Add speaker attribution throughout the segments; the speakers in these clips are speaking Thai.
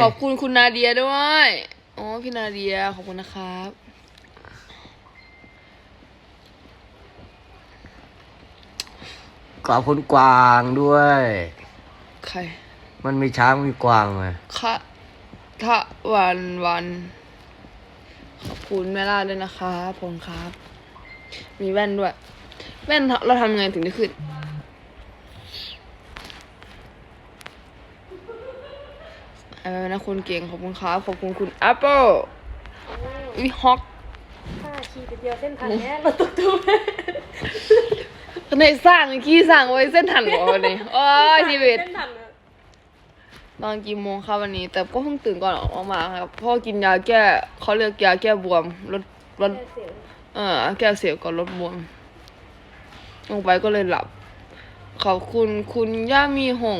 Speaker 1: ขอบคุณคุณนาเดียด้วยอ๋อพี่นาเดียขอบคุณนะครับ
Speaker 2: ขอบคุณกวางด้วย
Speaker 1: ใคร
Speaker 2: มันมีช้างมีกวางไง
Speaker 1: คะวันขอบคุณแม่ล่าด้วยนะครับผมครับ มีแว่นด้วย แว่นเราทำยังไงถึงได้ขึ้นอะไรนะคุณเก่งขอบคุณครับขอบคุณคุณแอปเปิลวิฮอก
Speaker 3: ขี่ไปเดียวเส้นทางเนี้ยรถตุ๊ก
Speaker 1: ในสร้างขี้สร้างไว้เส้นถันหัววันนี้โอ้ยชีวิตนอนกี่โมงครับวันนี้ แต่ก็เพิ่งตื่นก่อนออกมาครับพ่อกินยาแก้เขาเรียกยาแก้บวมลดแก้เสียวก่อนลดบวมลงไปก็เลยหลับขอบคุณคุณย่ามีหง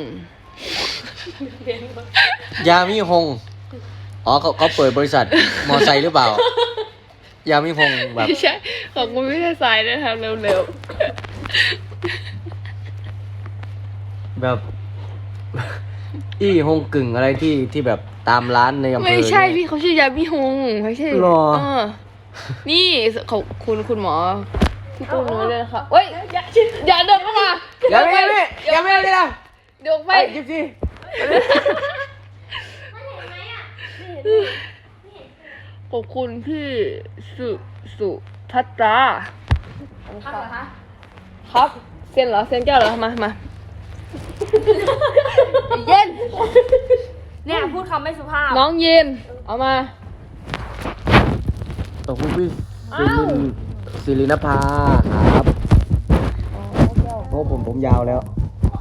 Speaker 2: ยามิฮงอ๋อเขาเปิดบริษัทมอไซค์หรือเปล่า ยามิฮงแบบ
Speaker 1: ไม่ใช่ขอบคุณพี่ชายสายนะครับเร็ว
Speaker 2: แบบ อี้ฮงกึ่งอะไรที่แบบตามร้านในอำเภอ
Speaker 1: ไม่ใช่พี่เขาชื่อยามีหงไม่ใช่
Speaker 2: หรอ
Speaker 1: นี่ขอบคุณคุณหมอที่ตู้นู้นเลยนะคะเฮ้ยอย่าเดินเข้ามา
Speaker 2: อย่าไม่เลยนะ
Speaker 1: เดี๋ยวไป
Speaker 2: จิ๊บซี่
Speaker 1: ขอบคุณพี่สุทัตตราครับเซ็นเหรอเซ็นแก้วเหรอมาเย็น
Speaker 3: เนี่ยพูดคำไม่สุภาพ
Speaker 1: น้องเย็นเอามา
Speaker 2: ขอบคุณพี่ศิรินภาครับโอ้ผมยาวแล้ว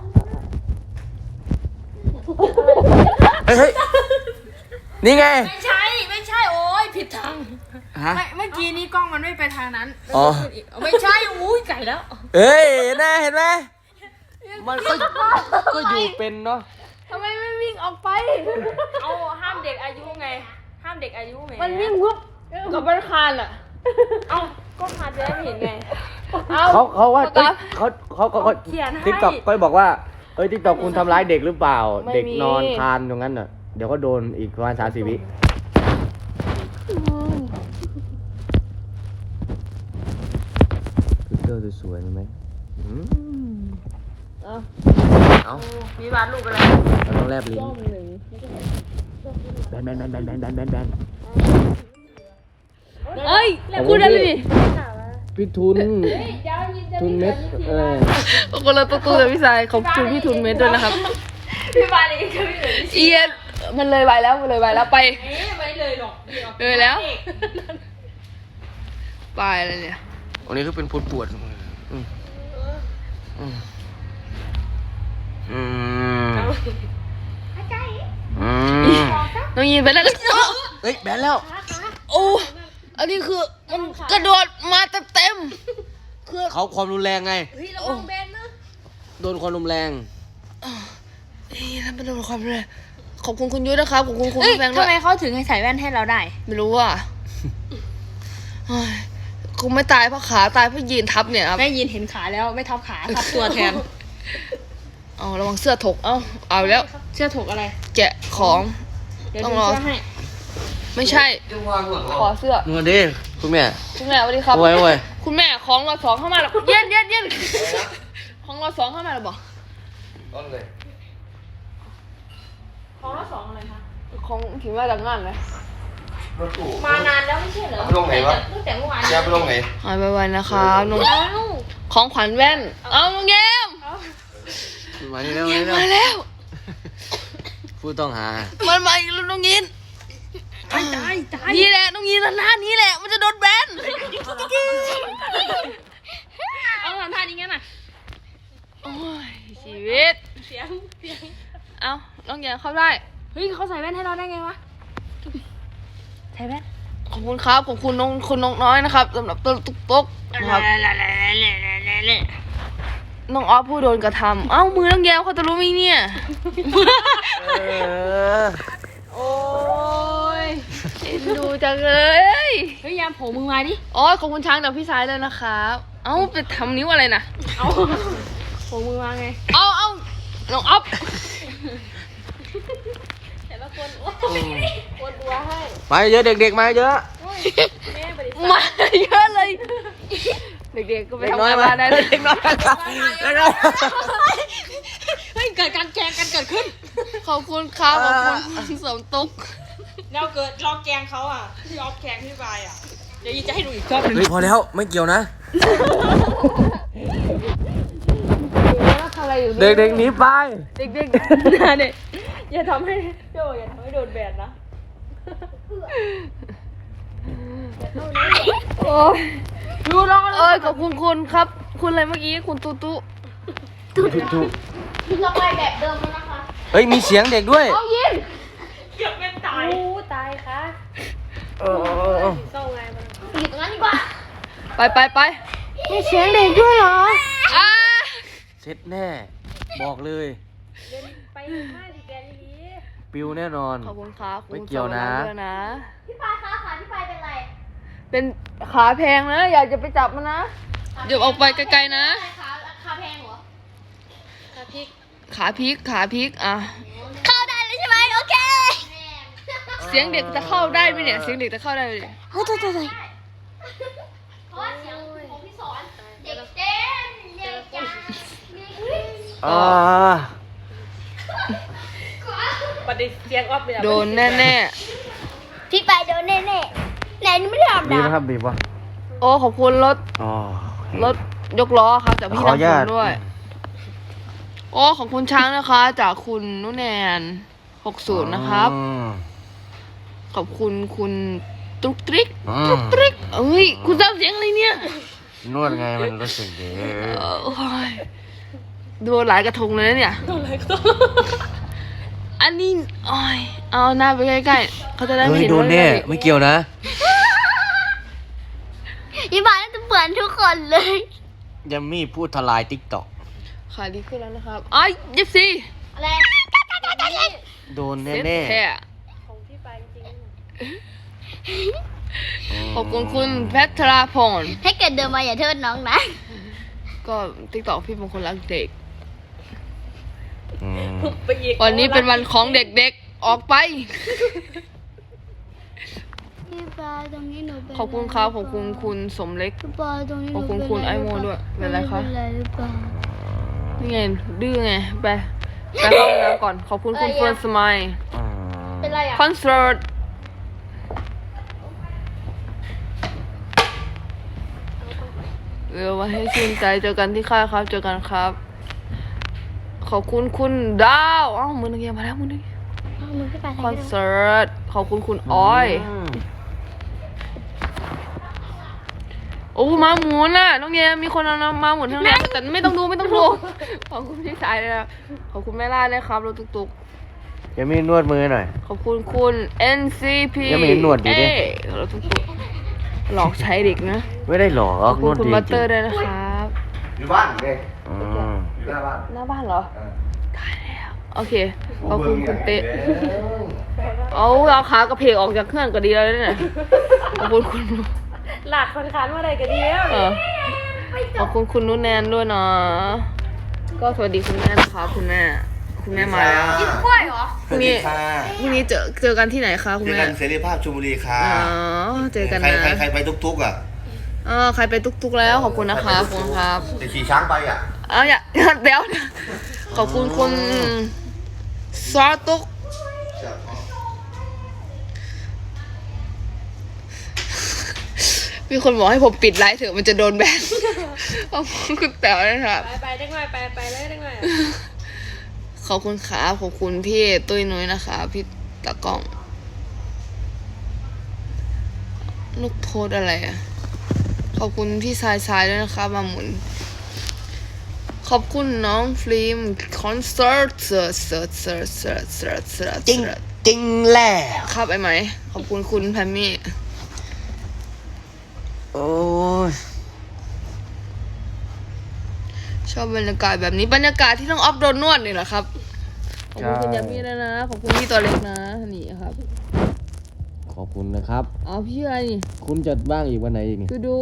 Speaker 2: เฮ้ยนี่ไง
Speaker 3: ไม่ใช่โอ้ยผิดทาง
Speaker 2: ฮะ
Speaker 3: เมื่อกี้นี้กล้องมันไม่ไปทางนั้น
Speaker 2: อ๋อ
Speaker 3: ไม่ใช่อุ้ยไก่แล้ว
Speaker 2: เอ้ยเห็นไหมมันก็อยู่เป็นเนาะ
Speaker 1: ทำไมไม่วิ่งออกไป
Speaker 3: เอาห้ามเด็กอายุไงห้ามเด็กอายุไง
Speaker 1: มันวิ่งปุ๊บกับบันคานอ่ะ
Speaker 3: เอาก็พาจะได้เห็นไง
Speaker 2: เขาว่า
Speaker 1: โฟกัส
Speaker 2: เขา
Speaker 3: เขียนให้
Speaker 2: ติ๊กต็อกก็บอกว่าติ๊กต็อกคุณทำร้ายเด็กหรือเปล่า
Speaker 1: ไม่มี
Speaker 2: เด็กนอนคานตรงนั้นน่ะเดี๋ยวก็โดนอีกประมาณ30 วิคือเตอร์สวยๆไหมเอา
Speaker 3: มีวาดรูปอะไร
Speaker 2: เราต้องแลบลิ้น
Speaker 1: รอบหนึ่ง
Speaker 2: แบน
Speaker 1: เอ้ยพูดได้เลยดิ
Speaker 2: พี่ทุนเม็ด
Speaker 1: คนละตัวกับพี่สายขอบคุณพี่ทุนเม็ดด้วยนะครับ
Speaker 3: พี่วาดเองก็ไม่เลย
Speaker 1: เอียนมันเลยไปแล้วไป
Speaker 3: ไม่เลยหรอก
Speaker 1: เลยแล้วไปอะไรเนี่ย
Speaker 2: วันนี้คือเป็นปวด
Speaker 1: น้องยินไปแล้ว
Speaker 2: เฮ้ยแบนแล้ว
Speaker 1: โอ้อันนี้คือมันกระโดดมาเต็มคือ
Speaker 2: เขาความรุนแรงไง
Speaker 3: เฮ้ยระวังเบนนะ
Speaker 2: โดนความรุนแรง
Speaker 1: ทำเป็นโดนความเลยขอบคุณคุณยุ้ยนะครับขอบคุณคุณแฟงด้
Speaker 3: ทำ
Speaker 1: วย
Speaker 3: ไมเขาถึงให้ใส่แว่นให้เราได้
Speaker 1: ไม่รู้อ่ะคงไม่ตายเพราะขาตายเพราะยืนทับเนี่ยครับ
Speaker 3: แม่ยินเห็นขาแล้วไม่ทับขาทับตัวแทน
Speaker 1: เอาระวังเสื้อถกเอาแล้ว
Speaker 3: เชื่อถกอะไร
Speaker 1: แกะของ
Speaker 3: เดี๋ยว
Speaker 1: ต้อง
Speaker 3: ดู
Speaker 1: รอ
Speaker 3: เสื้อให้
Speaker 1: ไม่ใช่ขอเสื้อ
Speaker 2: มาดิคุณแม่
Speaker 1: คุณแม่สวัสดีครับ
Speaker 2: โอ้ย
Speaker 1: คุณแม่ของรอสองเข้ามาแล้วเย็นของรอสองเข้ามาแล้วบอก
Speaker 2: ต้นเลย
Speaker 3: ของละสองอะไรคะ
Speaker 1: ของถึงมาจากงานเลย
Speaker 2: รถตู้
Speaker 3: มานานแล้วไม่ใช่เหรอ
Speaker 2: ไปลงไหนวะ
Speaker 3: ตั้งแต่เมื่อวาน
Speaker 2: แกไปลงไหน
Speaker 1: หายไปๆนะครับน้อง
Speaker 3: เอ้า
Speaker 1: ของขวัญแว่นเอาน้องเกม
Speaker 2: มานี่แล้ว
Speaker 1: เกมมาแล้ว
Speaker 2: ผู้ต้องหา
Speaker 1: มันมาอีกแล้วน้องยิน
Speaker 3: ตาย
Speaker 1: นี่แหละน้องยินหน้านี้แหละมันจะโดนแบน
Speaker 3: เอาทำท่านี้งั้นน่ะ
Speaker 1: โอ้ยชีวิต
Speaker 3: เสียง
Speaker 1: เอาน้องเกมเข้าได้
Speaker 3: เฮ้ยเขาใส่แว่นให้เราได้ไงวะใส่แว่น
Speaker 1: ขอบคุณครับขอบคุณน้องน้อยนะครับสำหรับตัวตุ๊กนะครับน้องออฟผู้โดนกระทำเอ้ามือน้องแก้วเขาจะรู้ไหมเนี่ยโอ้ยเอ็นดูจังเลย
Speaker 3: เฮ้ยยามโผล่มือมาดิ
Speaker 1: อ๋อขอบคุณช้างจากพี่สายเลยนะครับเอ้าไปทำนิ้วอะไรนะ
Speaker 3: เอาโผล่มือมาไง
Speaker 1: เอาน้องออฟ
Speaker 3: แต่ละคนปวดหัวให้
Speaker 2: มาเยอะเด็กๆมาเยอะ
Speaker 3: แม่บริ
Speaker 1: มาเยอะเลย เด็กๆก็ไปทำงานบ้านได้เลย
Speaker 2: เด็กน้อยมาเด็กน้อย
Speaker 3: เฮ้ยเกิดการแกล้งกันเกิดขึ้น
Speaker 1: ขอบคุณครับขอบคุณสมตุก
Speaker 3: เราเกิดลองแกล้งเขาอ่ะที่ออฟแกล้งพี่บายอ่ะเดี๋ยวยีจะให้ดูอีกรอบหนึง
Speaker 2: เฮ้ยพอแล้วไม่เกี่ยวนะ
Speaker 1: ทำอะไรอยู่
Speaker 2: เด็กๆหนีไป
Speaker 1: เด็กๆนะเด็ก
Speaker 3: อย่าทำให้โจอย่าทำให้โดนแบนนะ
Speaker 1: โอ้ยดูน้องเอ้ยขอบคุณคุณครับ คุณอะไรเมื่อกี้คุณตุ๊ตุ๊
Speaker 3: เราไปแบบเดิมแล้วนะคะ
Speaker 2: เฮ้ยมีเสียงเด็กด้วย
Speaker 1: เอายิน
Speaker 3: เกือบเป็นตายตายค่ะ
Speaker 2: เออ
Speaker 3: เศร้าไงมันอยู่ตรงนั้นดีกว่า
Speaker 1: ไปมีเสียงเด็กด้วยเหรออ่า
Speaker 2: เซ็ตแน่ บอกเลย
Speaker 3: เดินไปห้าสิแกนดี
Speaker 2: ปิวแน่นอน
Speaker 1: ขอบคุณครับ
Speaker 2: ไม่เกี่ยวนะ
Speaker 3: พี่ปายคะขาพี่ปายเป็นไร
Speaker 1: เป็นขาแพงนะ อยากจะไปจับมันนะเดี๋ยวออกไปไกลๆนะ
Speaker 3: ขาแพงเหรอขาพริก
Speaker 1: ขาพลิกอ่ะ
Speaker 3: เข้าได้เลยใช่ไหมโอเค
Speaker 1: เสียงเด็กจะเข้าได้ไหมเนี่ยเสียงเด็กจะเข้าได้ไหมเนี่ย
Speaker 3: เฮ้ยเพราะว่าเสียงของพี่สอนเด็กเต้นเด็กจ้า
Speaker 2: อ่า
Speaker 3: ประเดี๋ยวเสียงออฟเลย
Speaker 1: โดนแน่
Speaker 3: พี่ปายโดนแน่ๆไหนนี่ไม่ได้อาบ
Speaker 2: บีบ
Speaker 3: น้ำ
Speaker 2: ครับบีบวะ
Speaker 1: ๆโอ้ขอบคุณรถ
Speaker 2: อ๋อ
Speaker 1: รถยกล้อครับจากพี่
Speaker 2: ขออนุ
Speaker 1: น้ำฝ
Speaker 2: ญาน ต
Speaker 1: ด้วย โอ้ของคุณช้างนะคะ จากคุณนุ่นแนน60นะครับ
Speaker 2: อืม
Speaker 1: ขอบคุณคุณตุ๊กตริก
Speaker 2: อืม
Speaker 1: ตุ๊กตริกเอ้ยคุณทำเสียงอะไรเนี่ย
Speaker 2: นวดไงมันรู้สึกดี
Speaker 1: โอ้ยดูหลายกระทงเลยนะเนี่ย
Speaker 3: โดนอะไรก็ต้อง
Speaker 1: อันนี้โอ้ยเอาหน้าไปใกล้ๆเขาจะได้ไม่
Speaker 2: เฮ้ย
Speaker 1: เห็น
Speaker 2: โดน
Speaker 1: ว่า
Speaker 2: แน่
Speaker 1: เด็ก
Speaker 2: ไม่เกี่ยวนะ
Speaker 3: พี่ปายน่าจะเปื่อนทุกคนเลย
Speaker 2: ยัมมี่พูดทลายติ๊กต็อก
Speaker 1: ขาดีขึ้นแล้วนะครับอ้ายยิบซี
Speaker 3: อะไร
Speaker 2: โดน
Speaker 1: เซ็ต
Speaker 2: แน่
Speaker 1: แท้
Speaker 3: ของพี่ปายจริง
Speaker 2: ๆ
Speaker 1: ขอบคุณคุณแพทราพร
Speaker 3: ให้เกิดเดินมาอย่าโทษน้องนะ
Speaker 1: ก็ติ๊กต็อกพี่เป็นคนรักเด็ก
Speaker 2: อืม
Speaker 3: ไปอีก
Speaker 1: วันนี้เป็นวันของเด็กๆ ออกไป
Speaker 3: พี่ปายตรงนี้หนูเป็น
Speaker 1: ขอบคุณครับขอบคุณคุณสมเล็ก
Speaker 3: พี่ปายตรงนี้ห
Speaker 1: ข
Speaker 3: นู
Speaker 1: อบคุณคุณไอโมด้วยเป็นไรคะ
Speaker 3: เป็นไรหรือเปล่า
Speaker 1: นี่ไงดื้อไงไปเข้าห้องน้ำก่อน ขอบคุณคุณเฟิร์นสมัย
Speaker 2: อืม
Speaker 3: เป็นไรอ่ะ
Speaker 1: คอนเสิร์ตเร็วมาให้ชื่นใจเจอกันที่ค่ายครับเจอกันครับ ขอบคุณคุณดาวอ้าวมือนึงมาแล้วมือนึง
Speaker 3: เอามือพี่ปาย
Speaker 1: คอนเสิร์ตขอบคุณคุณอ้อย
Speaker 2: ม
Speaker 1: โอ้มาหมุนน่ะน้องเยมีคนเอามาหมุนทั้งนั้นแต่ไม่ต้องดูขอบคุณพี่ชายเลยนะขอบคุณแม่ล่าด้วยครับรถตุก
Speaker 2: ยัมมี่นวดมือหน่อย
Speaker 1: ๆขอบคุณคุณ NCP
Speaker 2: ยังไม่เห็นหนวดอยู่ดิ
Speaker 1: รถตุกๆหลอกใช้เด็กนะ
Speaker 2: ไม่ได้หรอ
Speaker 1: ขอบ
Speaker 2: ก
Speaker 1: คุ
Speaker 2: น
Speaker 1: ณ
Speaker 2: วด
Speaker 1: คุณ
Speaker 2: ดี
Speaker 1: บัต
Speaker 2: จ
Speaker 1: เต
Speaker 2: ริ
Speaker 1: อง ร์ด้วยนะครับ
Speaker 4: อยู่บ้านเด็ก
Speaker 2: อืม
Speaker 4: อยู่หน้าบ้าน
Speaker 1: หน้าบ้านเหรอตายแล้ว โอเค ขอบคุณคุณเตะเอาขากระเพกออกจากเครื่องก็ดีแล้วเนี่ยขอบคุณคุณ
Speaker 3: หลาดคนค้านมาอะไรกันเดียว
Speaker 1: เออขอบคุณคุณนุ่นแนนด้วยเนาะก็สวัสดีคุณแม่นะคะคุณแม่มาแล้ว
Speaker 3: กล้วยเหรอ
Speaker 1: พรุ่งนี้
Speaker 4: ค่ะ
Speaker 1: พรุ่งนี้เจอกันที่ไหนคะคุณ
Speaker 4: เจอ
Speaker 1: แม่
Speaker 4: กันเสรีภาพชลบุรีค่ะ
Speaker 1: อ๋อเจอกัน
Speaker 4: ใคร
Speaker 1: นะ
Speaker 4: ใครไปทุกๆอ่ะ
Speaker 1: ใครไปตุกๆแล้วขอบคุณนะคะขอบคุณครับ
Speaker 4: แต่ขี่ช้างไปอ่ะ
Speaker 1: อย่า เดี๋ยวขอบคุณคุณซอตุกมีคนบอกให้ผมปิดไลฟ์เถอะมันจะโดนแบนขอบคุณคุณแต๋วนะครับ
Speaker 3: ไปได้ไงไปเลยได้ไง
Speaker 1: ขอบคุณครับขอบคุณพี่ตุ้ยนุ้ยนะคะพี่ตะกล้องลูกโพสอะไรอ่ะขอบคุณพี่ทรายด้วยนะคะมาหมุนขอบคุณน้องฟิล์มคอนเสิร์ต
Speaker 2: จริงจริงแหละ
Speaker 1: ครับไอ้ไหมขอบคุณคุณแพมมี่
Speaker 2: โอ้ย
Speaker 1: ชอบบรรยากาศแบบนี้บรรยากาศที่ต้องออฟโดนนวดนี่แหละครับขอบคุณคุณยามี่ด้วยนะขอบคุณพี่ตัวเล็กนะนี่ครับ
Speaker 2: ขอบคุณนะครับ
Speaker 1: อ๋อพี่อะไรนี่
Speaker 2: คุณจะบ้างอีกวันไหนอีกนี่
Speaker 1: คือดู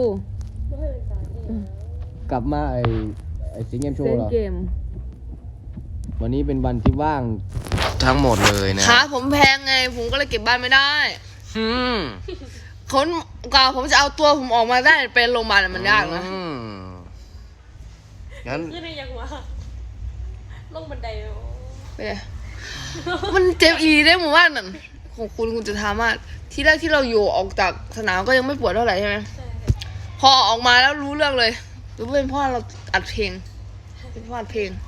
Speaker 2: กลับมาไอสิงเกมโช
Speaker 1: เซ
Speaker 2: ว์
Speaker 1: น
Speaker 2: เหรอ
Speaker 1: เกม
Speaker 2: วันนี้เป็นวันที่ว่างทั้งหมดเลยนะ
Speaker 1: ขาผมแพงไง ผมก็เลยเก็บบ้านไม่ได้
Speaker 2: อืม
Speaker 1: คนกว่าผมจะเอาตัวผมออกมาได้เป็นโรงพยาบาลมันยากนะ
Speaker 2: อืมงั้น
Speaker 3: ขึ้นได้ยังวะลงบันได
Speaker 1: ไปเลยมันเจ็บอีได้หมู่บ้านนั่นของคุณจะทำว่าที่แรกที่เราอยู่ออกจากสนามก็ยังไม่ปวดเท่าไหร่ใช่ไหมพอออกมาแล้วรู้เรื่องเลยรู้เป็นเพราะเราอัดเพลงเป็นเพราะอัดเพลง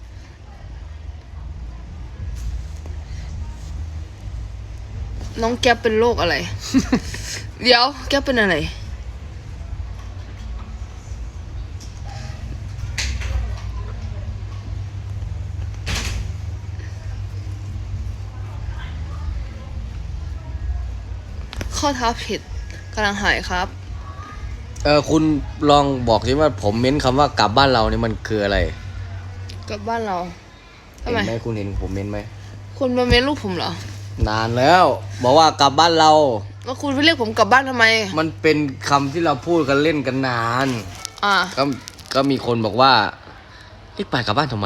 Speaker 1: น้องแก๊ปเป็นโรคอะไร เดี๋ยวแก๊ปเป็นอะไรข้อเท้าผิดกำลังหายครับ
Speaker 2: คุณลองบอกสิว่าผมเม้นคำว่ากลับบ้านเรานี่มันคืออะไร
Speaker 1: กลับบ้านเราทำ
Speaker 2: เห็น
Speaker 1: ไม
Speaker 2: ไหมคุณเห็นผมเม้นไหม
Speaker 1: คุณมาเม้นลูกผมเหรอ
Speaker 2: นานแล้ว บอกว่ากลับบ้านเรา
Speaker 1: แล้วคุณไปเรียกผมกลับบ้านทำไม
Speaker 2: มันเป็นคำที่เราพูดกันเล่นกันนาน
Speaker 1: อ่า
Speaker 2: ก็มีคนบอกว่ารีบไปกลับบ้านทำไม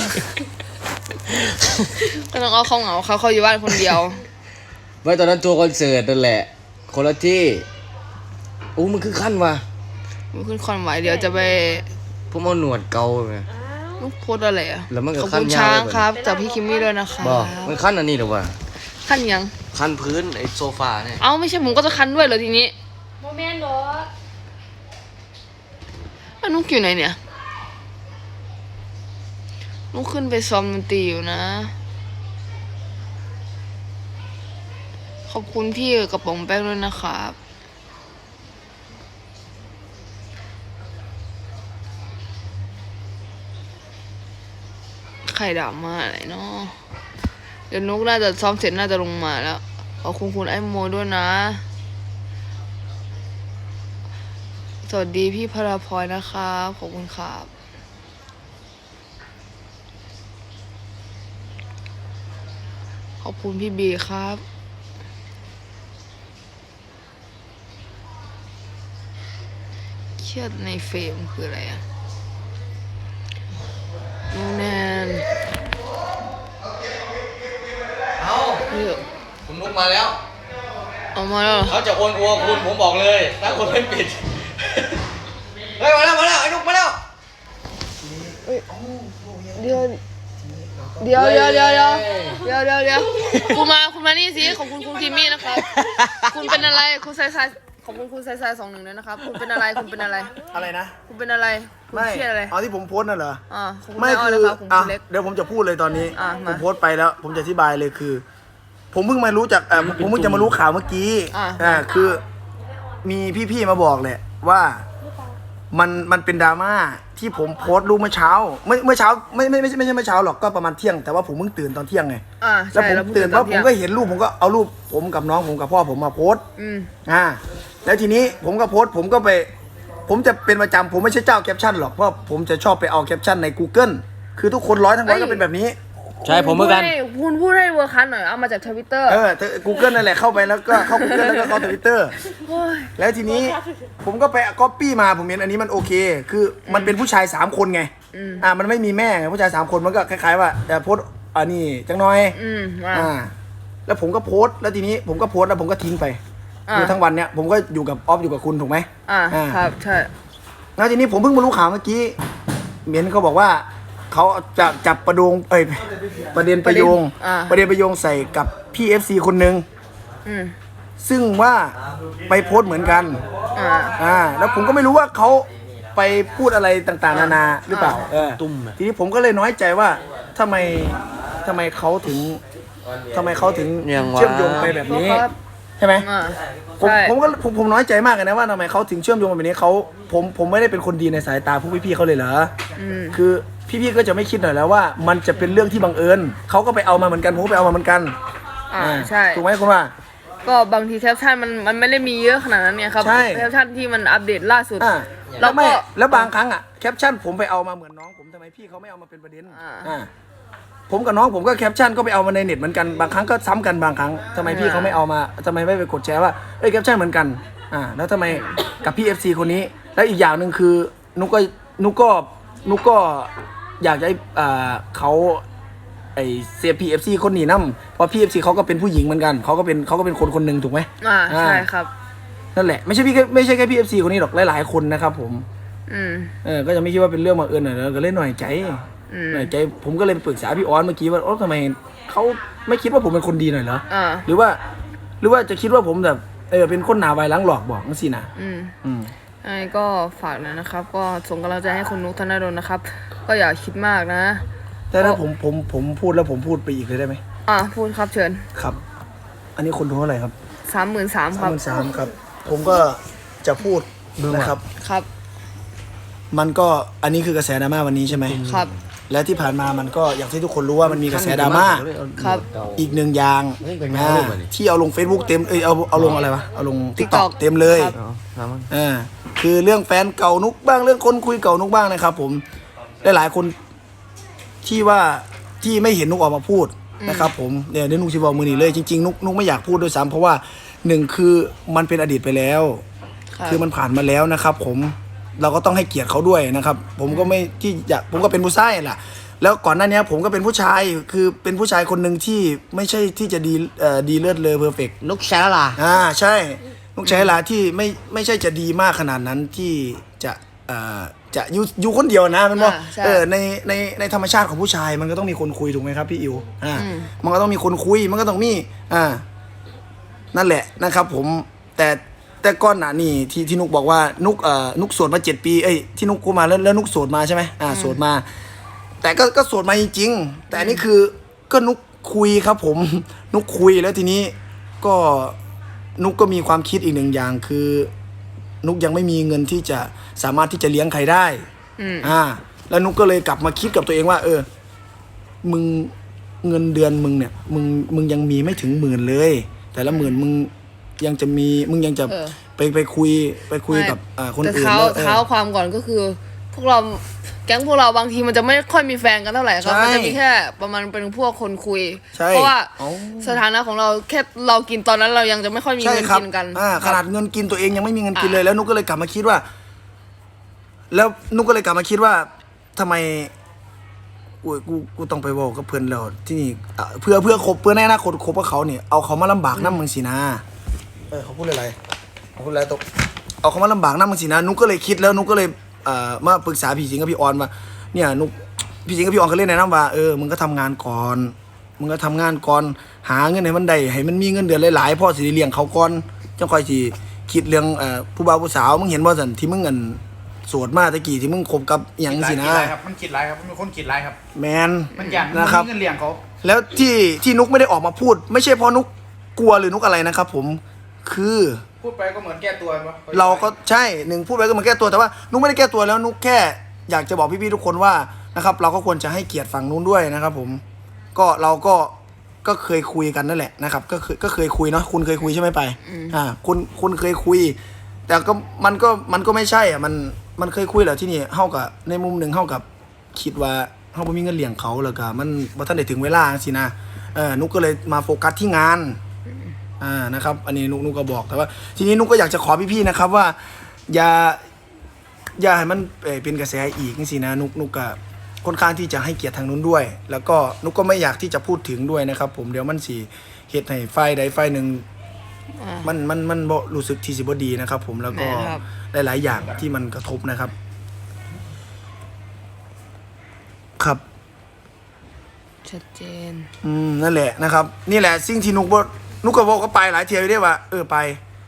Speaker 1: ก็ต้องเอาเขาเหงาเขาอยู่บ้านคนเดียว
Speaker 2: ไม่ตอนนั้นทัวร์คอนเสิร์ตนั่นแหละ คนละที่โอ้มันคือขั้นว่ะ
Speaker 1: มันขึ้นคอนไหวเดี๋ยวจะไป
Speaker 2: ผมเอาหนวดเกาไง
Speaker 1: ลูกโพสอะไรอ่ะ
Speaker 2: แล้วมันก็
Speaker 1: ขอบ
Speaker 2: ขั้
Speaker 1: คุ
Speaker 2: น
Speaker 1: ณ
Speaker 2: ยาว
Speaker 1: ช้าง
Speaker 2: เลย
Speaker 1: ครับจากพี่คิมมี่ด้วยนะคะ
Speaker 2: บอกมันขั้นอันนี้หรือว่า
Speaker 1: ขั้นยัง
Speaker 2: ขั้นพื้นไอ้โซฟาเนี่ย
Speaker 1: เอ้าไม่ใช่ผมก็จะคันด้วยเหรอทีนี้
Speaker 3: โมเมนต์รถ
Speaker 1: แล้วนุ๊กอยู่ไหนเนี่ยนุ๊กขึ้นไปซ้อมดนตรีอยู่นะ ขอบคุณพี่กระป๋องแป้งด้วยนะครับใครด่ามาอะไรเนาะเดี๋ยวนุ๊กน่าจะซ้อมเสร็จน่าจะลงมาแล้ว ขอบคุณไอ้โมด้วยนะ สวัสดีพี่พราพลอยนะครับขอบคุณครับขอบคุณพี่บีครับเครียดในเฟรมคืออะไรอะน้องแนน
Speaker 2: เอา
Speaker 1: เลือก
Speaker 2: คุณนุกมาแล้ว
Speaker 1: ออกมาแล้วเหรอ
Speaker 2: เขาจะโอนอัวคุณผมบอกเลยถ้าคุณไม่ปิด เฮ้ยมาแล้วไอ้นุกมาแล้ว
Speaker 1: เดี๋ยวคุณมานี่สิขอบคุณคุณคิมมี่นะครับ คุณเป็นอะไรคุณไซขอบคุณคุณไซ21ด้วยนะครับ คุณเป็นอะไร
Speaker 5: อะไรนะ
Speaker 1: คุณเป็นอะไรคุณ
Speaker 5: ไม่
Speaker 1: เครียดอะไร
Speaker 5: เอาที่ผมโพสต์น่ะเหรอ
Speaker 1: ขอบคุณ
Speaker 5: ไม่
Speaker 1: แม่อ้อย
Speaker 5: คือ
Speaker 1: นะครับคุณ
Speaker 5: อ่ะ
Speaker 1: เล็ก
Speaker 5: เดี๋ยวผมจะพูดเลยตอนนี้
Speaker 1: อ่ะ
Speaker 5: ผม
Speaker 1: มา
Speaker 5: โพสต์ไปแล้ว ผมจะอธิบายเลยคือ ผมเพิ่งมารู้จากผมเพิ่งจะมารู้ข่าวเมื่อกี้ คือมีพี่ๆมาบอกแหละว่ามันเป็นดราม่าที่ผมโพสต์รูปเมื่อเช้าเมื่อเช้าไม่ใช่เมื่อเช้าหรอกก็ประมาณเที่ยงแต่ว่าผมเพิ่งตื่นตอนเที่ยงไง แล้ว
Speaker 1: ใช่
Speaker 5: ผมตื่นแล้วผมก็เห็นรูปผมก็เอารูปผมกับน้องผมกับพ่อผมมาโพสต์แล้วทีนี้ผมก็โพสต์ผมก็ไป ผมจะเป็นประจำผมไม่ใช่เจ้าแคปชั่นหรอกเพราะผมจะชอบไปเอาแคปชั่นใน Google คือทุกคนทั้งร้อยก็เป็นแบบนี้
Speaker 2: ใช่ผมเหมือนกัน
Speaker 1: คุณพูดให้เวอร์คันหน่อยเอามาจากทวิตเตอร์
Speaker 5: Google นั่นแหละเข้าไปแล้วก็เข้า Google แล้วก็เข้า Twitter แล้วทีนี้ผมก็ไปก๊อปปี้มาผมเห็นอันนี้มันโอเค คือมันเป็นผู้ชาย3คนไงมันไม่มีแม่ไงผู้ชาย3คนมันก็คล้ายๆว่าโพสต์อันนี้จังน้อยแล้วผมก็โพสต์แล้วทีนี้ผมก็โพสต์แล้วผมก็ทิ้งไปคือทั้งวันเนี้ยผมก็อยู่กับออฟอยู่กับคุณถูกไหม
Speaker 1: ครับใช่
Speaker 5: แล้วทีนี้ผมเพิ่งมารู้ข่าวเมื่อกี้เมียนเขาบอกว่าเขาจะจับประเด็นประโยงใส่กับพี่ FC คนหนึ่งซึ่งว่าไปโพสต์เหมือนกันแล้วผมก็ไม่รู้ว่าเขาไปพูดอะไรต่างๆนานาหรือเปล่าทีนี้ผมก็เลยน้อยใจว่าทำไมเขาถึงเชื่อมโยงไปแบบนี้ใช่ไหมผมน้อยใจมากเลยนะว่าทำไมเขาถึงเชื่อมโยงแบบนี้ผมไม่ได้เป็นคนดีในสายตาพวกพี่ๆเขาเลยเหรอคือพี่ๆก็จะไม่คิดหน่อยแล้วว่ามันจะเป็นเรื่องที่บังเอิญเขาก็ไปเอามาเหมือนกันผมก็ไปเอามาเหมือนกัน
Speaker 1: ใช่
Speaker 5: ถูกไหมคุณว่า
Speaker 1: ก็บางทีแคปชั่นมันไม่ได้มีเยอะขนาดนั้นเนี่ยครับแคปชั่นที่มันอัปเดตล่าสุด
Speaker 5: แล้วบางครั้งแคปชั่นผมไปเอามาเหมือนน้องผมทำไมพี่เขาไม่เอามาเป็นประเด็นผมกับน้องผมก็แคปชั่นก็ไปเอามาในเน็ตเหมือนกันบางครั้งก็ซ้ำกันบางครั้งทำไมพี่เขาไม่เอามาทำไมไม่ไปกดแชร์ว่าแคปชั่นเหมือนกันแล้วทำไมกับพี่ FC คนนี้แล้วอีกอย่างหนึ่งคือนุกก็อยากจะเขาไอเซียพีเอฟซีคนหนีน้ำเพราะพีเอฟซีเขาก็เป็นผู้หญิงเหมือนกันเขาก็เป็นคนหนึ่งถูกไหม
Speaker 1: ใช่ครับ
Speaker 5: นั่นแหละไม่ใช่แค่พีเอฟซีคนนี้หรอกหลายๆคนนะครับผมก็จะไม่คิดว่าเป็นเรื่องบังเอิญหน่อยแล้วก็เล่นหน่อยใจหน่อยใจผมก็เลยไปปรึกษาพี่ออนเมื่อกี้ว่าทำไมเขาไม่คิดว่าผมเป็นคนดีหน่อยเหรอหรือว่าจะคิดว่าผมแบบเป็นคนหนาไวล้างหลอกบอกนั่นสินะ
Speaker 1: ก็ฝากนะครับก็ส่งกำลังใจให้คุณนุกธนดลนะครับก็อย่าคิดมากนะ
Speaker 5: แต่ถ้าผมพูดแล้วผมพูดไปอีกเลยได้ไหม
Speaker 1: พูดครับเชิญ
Speaker 5: ครับอันนี้คนดูเท่าไหร่ครับ
Speaker 1: 33,000ครับ
Speaker 5: 33,000ครับผมก็จะพูดนะครับ
Speaker 1: ครับ
Speaker 5: มันก็อันนี้คือกระแสดราม่าวันนี้ใช่ไหม
Speaker 1: ครับ
Speaker 5: และที่ผ่านมามันก็อย่างที่ทุกคนรู้ว่ามันมีกระแสดราม่า
Speaker 1: ครับ
Speaker 5: อีกหนึ่งอย่างที่เอาลง Facebook เต็มเอาลงอะไรวะเอาลง TikTok เต็มเลยคือเรื่องแฟนเก่านุกบ้างเรื่องคนคุยเก่านุกบ้างนะครับผมหลายคนที่ไม่เห็นนุกออกมาพูดนะครับผมเนี่ยนุกชิบอกมือหนีเลยจริงๆนุกไม่อยากพูดด้วยซ้ำเพราะว่าหนึ่งคือมันเป็นอดีตไปแล้วคือมันผ่านมาแล้วนะครับผมเราก็ต้องให้เกียรติเขาด้วยนะครับผมก็ไม่ที่อยากผมก็เป็นผู้ชายแหละแล้วก่อนหน้านี้ผมก็เป็นผู้ชายคือเป็นผู้ชายคนหนึ่งที่ไม่ใช่ที่จะดีเลิศเลอเพอร์เฟกต์
Speaker 2: นุกแชร์ล่ะ
Speaker 5: ใช่นุกแชร์ล่ะที่ไม่ใช่จะดีมากขนาดนั้นที่จะอยู่คนเดียวนะมันว่าในธรรมชาติของผู้ชายมันก็ต้องมีคนคุยถูกไหมครับพี่อิวมันก็ต้องมีคนคุยมันก็ต้องมีนั่นแหละนะครับผมแต่ก้อนหนานี่ที่นุกบอกว่านุกโสดมา7 ปีที่นุกกูมาแล้วนุกโสดมาใช่ไหมโสดมาแต่ก็โสดมาจริงๆแต่อันนี้คือก็นุกคุยครับผมนุกคุยแล้วทีนี้ก็นุกก็มีความคิดอีกหนึ่งอย่างคือนุกยังไม่มีเงินที่จะสามารถที่จะเลี้ยงใครได้แล้วนุกก็เลยกลับมาคิดกับตัวเองว่ามึงเงินเดือนมึงเนี่ยมึงยังมีไม่ถึง10,000เลยแต่ละ10,000มึงยังจะไปคุยกับคนอื่น
Speaker 1: แต่เท้าความก่อนก็คือพวกเราแก๊งพวกเราบางทีมันจะไม่ค่อยมีแฟนกันเท่าไหร่ครับมันจะมีแค่ประมาณเป็นพวกคนคุยเพราะว่าสถานะของเราแค่เรากินตอนนั้นเรายังจะไม่ค่อยมีเงินกินกัน
Speaker 5: ขนาดเงินกินตัวเองยังไม่มีเงินกินเลยแล้วนุกก็เลยกลับมาคิดว่าทำไมกูต้องไปบอกกับเพื่อนเราที่นี่เพื่อคบเพื่อในอนาคตคบกับเขาเนี่ยเอาเขามาลำบากน้ำมึงสินะเขาพูดอะไรตกเอาเขามาลำบากน้ำมึงสินะนุกก็เลยคิดแล้วนุกก็เลยมาปรึกษาพี่สิงห์กับพี่ออนว่าเนี่ยนุกพี่สิงห์กับพี่ออนเขาเล่นในน้ำว่ามึงก็ทำงานก่อนหาเงินให้มันได้ให้มันมีเงินเดือนหลายๆพ่อสิเลี้ยงเขาก่อนจังค่อยสิคิดเรื่องผู้บ่าวผู้สาวมึงเห็นว่าสันที่มึงเงินโสดมาตะกี้ที่มึงคบกับอย่างสินะ
Speaker 6: มันคิดไรครับมันเป็นคนคิดไรครับ
Speaker 5: แมน
Speaker 6: มันอยาก
Speaker 5: นะครับ
Speaker 6: เงินเลี้ยงเขา
Speaker 5: แล้วที่นุกไม่ได้ออกมาพูดไม่ใช่เพราะนุกกลัวหรือนุกอะไรนะครับผมคือ
Speaker 6: พูดไปก็เหมือนแก้ตัว
Speaker 5: เราก็ใช่พูดไปก็เหมือนแก้ตัวแต่ว่านุกไม่ได้แก้ตัวแล้วนุกแค่อยากจะบอกพี่ๆทุกคนว่านะครับเราก็ควรจะให้เกียรติฝั่งนู้นด้วยนะครับผมเราก็เคยคุยกันนั่นแหละนะครับก็เคยคุยเนาะคุณเคยคุยใช่ไหมไปคุณเคยคุยแต่ก็มันก็ไม่ใช่มันเคยคุยแหละที่นี่เฮากับในมุมหนึ่งเฮากับคิดว่าเฮาบ่มีเงินเลี้ยงเขาแล้วก็มันบ่ทันได้ถึงเวลาสินะนุกก็เลยมาโฟกัสที่งานนะครับอันนี้นุกก็บอกแต่ว่าทีนี้นุกก็อยากจะขอพี่ๆนะครับว่าอย่าให้มันเป็นกระแสอีกสินะนุกก็ค่อนข้างที่จะให้เกียรติทางนู้นด้วยแล้วก็นุกก็ไม่อยากที่จะพูดถึงด้วยนะครับผมเดี๋ยวมันสิเฮ็ดให้ฝ่ายใดฝ่ายหนึ่งมันบ่รู้สึกที่สิบ่ดีนะครับผมแล้วก็หลายๆอย่างที่มันกระทบนะครับครับ
Speaker 1: ชัดเจน
Speaker 5: นั่นแหละนะครับนี่แหละสิ่งที่นุกก็บอกก็ไปหลายเที่ยวได้ว่าไป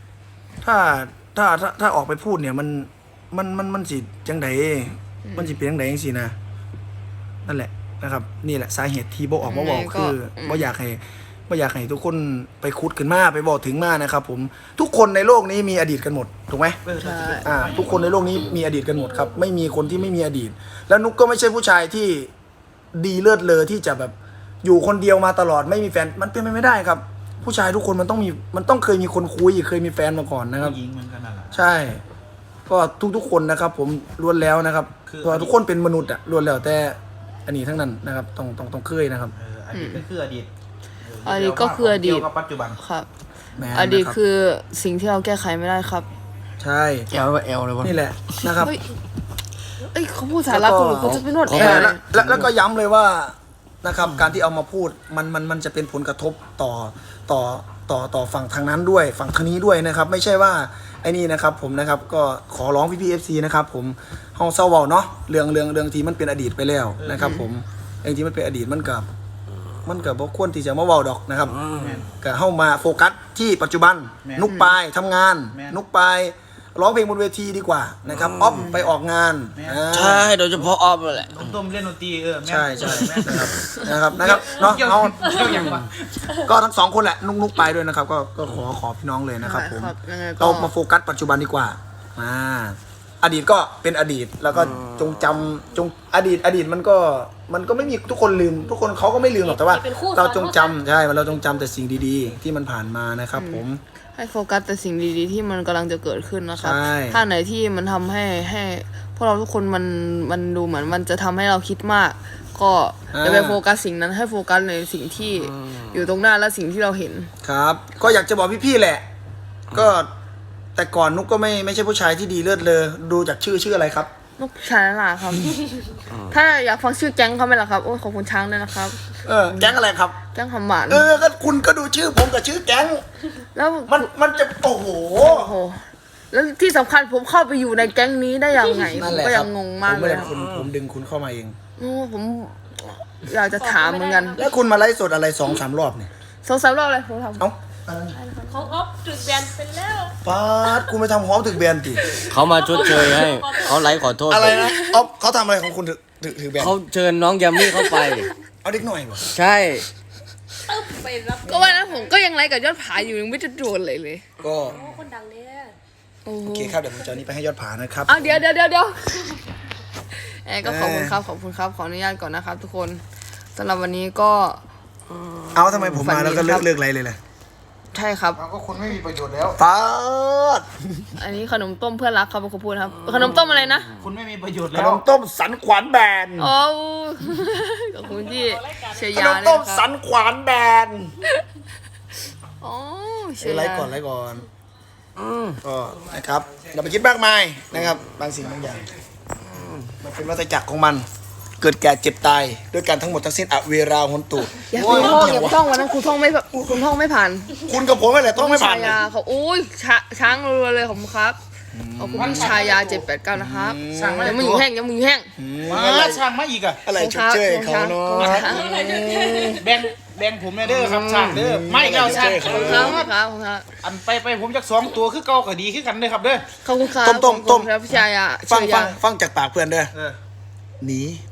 Speaker 5: ถ้าออกไปพูดเนี่ยมันสิจังไดมันสิเป็นจังไดจังซี่นะนั่นแหละนะครับนี่แหละสาเหตุที่บ่ออกมาบอกคือบ่อยากให้ทุกคนไปคุดขึ้นมาไปบอกถึงมานะครับผมทุกคนในโลกนี้มีอดีตกันหมดถูกไหมทุกคนในโลกนี้มีอดีตกันหมดครับไม่มีคนที่ไม่มีอดีตแล้วนุกก็ไม่ใช่ผู้ชายที่ดีเลิศเลอที่จะแบบอยู่คนเดียวมาตลอดไม่มีแฟนมันเป็นไปไม่ได้ครับผู้ชายทุกคนมันต้องเคยมีคนคุยเคยมีแฟนมาก่อนนะครับ
Speaker 6: ยิงเหมือนกันนั่นแหละ
Speaker 5: ใช่ก็ทุกคนนะครับผมล้วนแล้วนะครับเพราะทุกคนเป็นมนุษย์ล้วนแล้วแต่อันนี้ทั้งนั้นนะครับต้องเคยนะครับ
Speaker 6: อดีตก็คืออดีต
Speaker 1: ก็คืออดีต
Speaker 6: กับปัจจุบัน
Speaker 1: ครับอดีตคือสิ่งที่เราแก้ไขไม่ได้ครับ
Speaker 5: ใช่
Speaker 2: แอลเลยวะ
Speaker 5: นี่แหละนะครับ
Speaker 1: เขาพูดสาระกูเขาจะไปนวดแอล
Speaker 5: แล้วก็ย้ำเลยว่านะครับ การที่เอามาพูดมันจะเป็นผลกระทบต่อฝั่งทางนั้นด้วยฝั่งทางนี้ด้วยนะครับ ไม่ใช่ว่าไอ้นี่นะครับผมนะครับก็ขอร้องพี่ๆ FC นะครับผมเฮาเศร้าเบาเนาะเรื่องที่มันเป็นอดีตไปแล้วนะครับผมเรื่องที่มันเป็นอดีตมันกับบ่ควรที่จะมาเว้าดอกนะครับก็เฮามาโฟกัสที่ปัจจุบันนุกปายทำงานนุกปายร้องเพลงบนเวทีดีกว่านะครับออฟไปออกงาน
Speaker 2: ใช่โดยเฉพาะออฟแหละ
Speaker 6: ต้มเล่นดนตรีแม่
Speaker 5: ใช่นะครับเนาะ
Speaker 6: เกี่ยว
Speaker 5: เอา
Speaker 6: อย่างวะ
Speaker 5: ก็ทั้งสองคนแหละนุกไปด้วยนะครับก็ขอพี่น้องเลยนะครับผม
Speaker 1: ยังไงก็
Speaker 5: เรามาโฟกัสปัจจุบันดีกว่าอดีตก็เป็นอดีตแล้วก็จงจำอดีตมันก็ไม่มีทุกคนลืมทุกคนเขาก็ไม่ลืมหรอกแต่ว่า เราจงจำใช่เราจงจำแต่สิ่งดีๆ ที่มันผ่านมานะครับผม
Speaker 1: ให้โฟกัสแต่สิ่งดีๆที่มันกำลังจะเกิดขึ้นนะครับ
Speaker 5: ใช่
Speaker 1: ถ้าไหนที่มันทำให้พวกเราทุกคนมันดูเหมือนมันจะทำให้เราคิดมาก ก็อย่าไปโฟกัสสิ่งนั้นให้โฟกัสในสิ่งที่อยู่ตรงหน้าและสิ่งที่เราเห็น
Speaker 5: ครับ ก็อยากจะบอกพี่ๆแหละ ก็แต่ก่อนนุกก็ไม่ใช่ผู้ชายที่ดีเลิศเลยดูจากชื่ออะไรครับ
Speaker 1: นกชาลาครับ ถ้าอยากฟังชื่อแก๊งเขาไหมล่ะครับโอ้ยขอบคุณช้างด้วยนะครับ
Speaker 5: แก๊งอะไรครับ
Speaker 1: แก๊งคำหวาน
Speaker 5: ก็คุณก็ดูชื่อผมกับชื่อแก๊ง
Speaker 1: แล้ว
Speaker 5: มันจะโอ้โห
Speaker 1: โอ้โหแล้วที่สำคัญผมเข้าไปอยู่ในแก๊งนี้ได้ยังไงผ
Speaker 5: นั่น
Speaker 1: ม
Speaker 5: แหละ
Speaker 1: ก็
Speaker 5: ค
Speaker 1: ยั
Speaker 5: รับ
Speaker 1: งงงมาก
Speaker 5: ผม
Speaker 1: เล
Speaker 5: ไม่
Speaker 1: ย
Speaker 5: ได้
Speaker 1: ครับ
Speaker 5: ผมดึงคุณเข้ามาเอง
Speaker 1: โอ้ผมอยากจะถามเหมือนกัน
Speaker 5: แล้วคุณมาไลฟ์สดอะไร2-3 รอบเนี่ย
Speaker 1: 2-3 รอบเลยผมทำ
Speaker 5: เอ้า
Speaker 3: ของออฟจุดแบนเป็นแล้ว
Speaker 5: ปาดคุณไปทำหอมถึงแบนติ
Speaker 2: เขามาชดเชยให้เขาไลฟ์ขอโทษ
Speaker 5: อะไรนะอ๊อฟเขาทำอะไรของคุณถือแบน
Speaker 2: เขาเชิญน้องยามี่เข้าไป
Speaker 5: เอาเด็กหน่อยบ่
Speaker 2: ใช่
Speaker 3: ตึ๊บไปรับ
Speaker 1: ก็ว่านะผมก็ยังไลค์กับยอดผาอยู่ยังไม่จะโดนเลย
Speaker 5: ก็
Speaker 3: โอ้คนดังเนี่ย
Speaker 1: โอ้โห
Speaker 5: โอเคครับเดี๋ยวผมจะเอานี้ไปให้ยอดผานะครับ
Speaker 1: อ้าวเดี๋ยวก็ขอบคุณครับขออนุญาตก่อนนะครับ ทุกคนสำหรับวันนี้ก็
Speaker 5: เอาทำไมผมมาแล้วก็เลิกอะไรเลยล่ะ
Speaker 1: ใช่ครับ
Speaker 6: ก็คุณไม่มีประโยชน์แล้ว
Speaker 5: ปาด
Speaker 1: อันนี้ขนมต้มเพื่อนรักครับเป็นคนพูดครับขนมต้มอะไรนะ
Speaker 6: คุณไม่มีประโยชน์
Speaker 5: ข
Speaker 6: แล้
Speaker 5: น
Speaker 6: ว
Speaker 5: มต้มสันขวานแบน
Speaker 1: โอ้ขอบคุณที่เชียร์
Speaker 5: ข
Speaker 1: ยาน
Speaker 5: ม
Speaker 1: เลย
Speaker 5: ต้ม
Speaker 1: นะค
Speaker 5: สั
Speaker 1: รับ
Speaker 5: นขวานแบน
Speaker 1: โอ้เชียร์
Speaker 5: ไล
Speaker 1: ยา
Speaker 5: ฟ์ก่อนก็นะครับอย่าไปคิดมากมายนะครับ บางสิ่งบางอย่างมันเป็นวัฏจักรของมัน เกิดแก่เจ็บตายด้วยกันทั้งหมดทั้งสิ้นอเวราหนตุ
Speaker 1: อย่าคุณท่องอย่าท่องวันนั้นคุณท่องไม่ผ่าน
Speaker 5: คุณกับผมอะไรต้องไม่ผ่าน
Speaker 1: ชา
Speaker 5: เลย
Speaker 1: ยาเขาอุ้ยช้างรัวๆเลยขอบคุณครับขอบคุณพี่ชายา789นะครับยังไม่อยู่แห้ง
Speaker 6: มาช่างมาอีกอ่ะ
Speaker 5: อะไรชดเชยเขาเนาะ
Speaker 6: แบ่งผมเด้อครับช่างเด้อไม่เอาช่าง
Speaker 1: ขอบคุณครับ
Speaker 6: อันไปผมจาก2 ตัวคือเก่าก็ดีคือกันเด้อครับเด้อ
Speaker 1: ขอบคุณครับ
Speaker 5: ต้ม
Speaker 1: ครับพี่ชายา
Speaker 5: ฟังจากปากเพื่อนเด้อหนีไป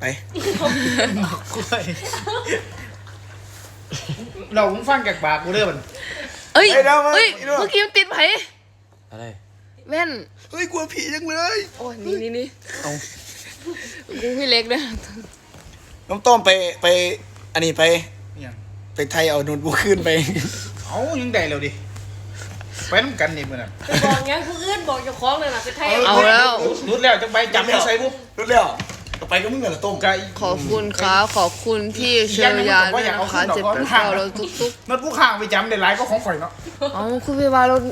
Speaker 6: เราผมฟังจากปากกูเด้อมัน
Speaker 1: เอ้ยเมื่อกี้มันติดไผ
Speaker 2: อะไร
Speaker 1: แว่น
Speaker 5: เฮ้ยกลัวผีจังเลย
Speaker 1: โอ้ยนี่
Speaker 5: เอา
Speaker 1: กูพี่เล็กด้วย
Speaker 5: น้องต้มไปอันนี้ไป
Speaker 6: เนี่ย
Speaker 5: ไปไทยเอาโน้ตบุ๊กขึ้นไป
Speaker 6: เอายังได้แล้วดิไปน้ำกันนี่มื้อนั้น
Speaker 3: ไปบอกงั้นผู้อื่นบอกเจ้าของเลยนะไปไทย
Speaker 1: เอาแล้ว
Speaker 6: รุดแล้วจังไปจำไม่ใส่บุ๊บ
Speaker 5: รู้แล้วต่อไปก็มึงกันละต้ม
Speaker 6: ไก่
Speaker 1: ขอบคุณครับขอบคุณพี่เชียร์ยาด้วยนะคะ789เราทุก
Speaker 6: มันผู้ข้างไปจำได้หลายก็ของข่อยเนาะ
Speaker 1: ๆเอาคุณพี่วาเรา